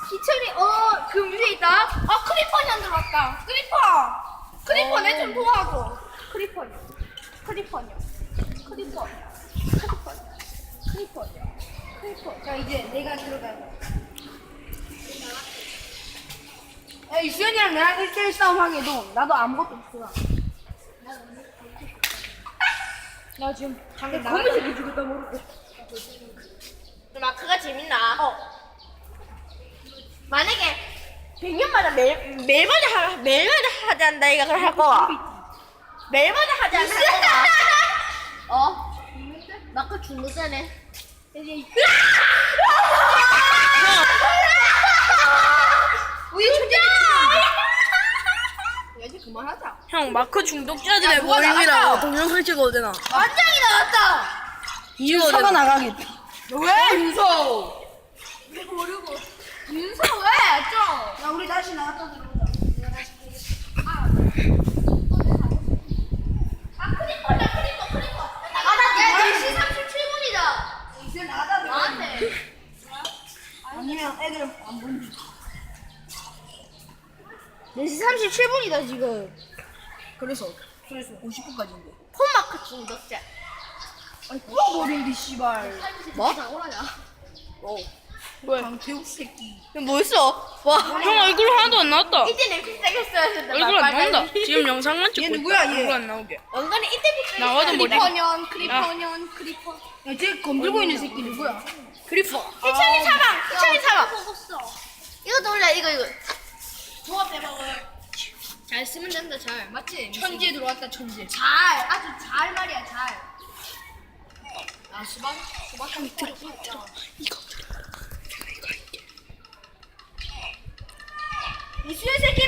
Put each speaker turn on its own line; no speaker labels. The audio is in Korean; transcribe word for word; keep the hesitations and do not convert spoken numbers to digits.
기철이 어 그 위에 있다. 아 크리퍼니 안 들어왔다. 크리퍼. 크리퍼 내 좀 도와줘. 크리퍼니. 크리퍼니. 크리퍼니. 크리퍼니. 크리퍼니. 크리퍼. 자 이제 내가 들어가자. 야 이수연이랑 나랑 일 대일 싸움 하게도 나도 아무것도 없어. 나 지금 방금 거미줄 죽였다 모르고. 마크가 재밌나? 어. 만약에 백 년마다 매일 매일마다 하 매일마다 하지 않다 이가 그걸 할 거야. 매일마다 하지 않을 거야. 어? 마크 중독자네. 이제 우리 천재지. 야 이제 그만하자.
형 마크 중독자들의
야, 누가
모임이라고
나갔다.
동영상 찍어도 되나?
완장이 나왔다.
찍어도 되나?
나가겠다.
왜 윤서? 모르고 윤서 왜 좀?
야, 우리 다시 나갔다 들어오자. 내가 다시
아 크리퍼다 크리퍼 크리퍼. 나가다. 야 네 시 삼십칠 분이다.
이제 나가다 들어오자.
나한테.
아니면 애들 안 보니.
네 시 삼십칠 분이다 지금.
그래서, 그래서 오십 분까지인데.
폰마크 중독자.
아니, 뿌어버린디, 씨발.
뭐?
어.
왜?
강태욱 새끼.
뭐 있어? 와.
형 얼굴 하나도 안 나왔다.
이때 내 픽색했어야 된다.
얼굴 안 나온다. 지금 영상만 찍고
얘
있다.
누구야, 얘?
얼굴 안 나오게.
연간에 이때 픽색.
나와도 못
크리퍼년 크리퍼년 크리퍼.
야, 쟤 건들고 있는 새끼 누구야?
크리퍼.
희철이 사망. 희철이 사망. 이거 올래 이거 이거. 조합 해먹어. 잘 쓰면 된다 잘. 맞지?
천재 들어왔다, 천재.
잘 아주 잘 말이야 잘. 아 수박 수박 좀 들어 들어.
이거 들어.
이수연 새끼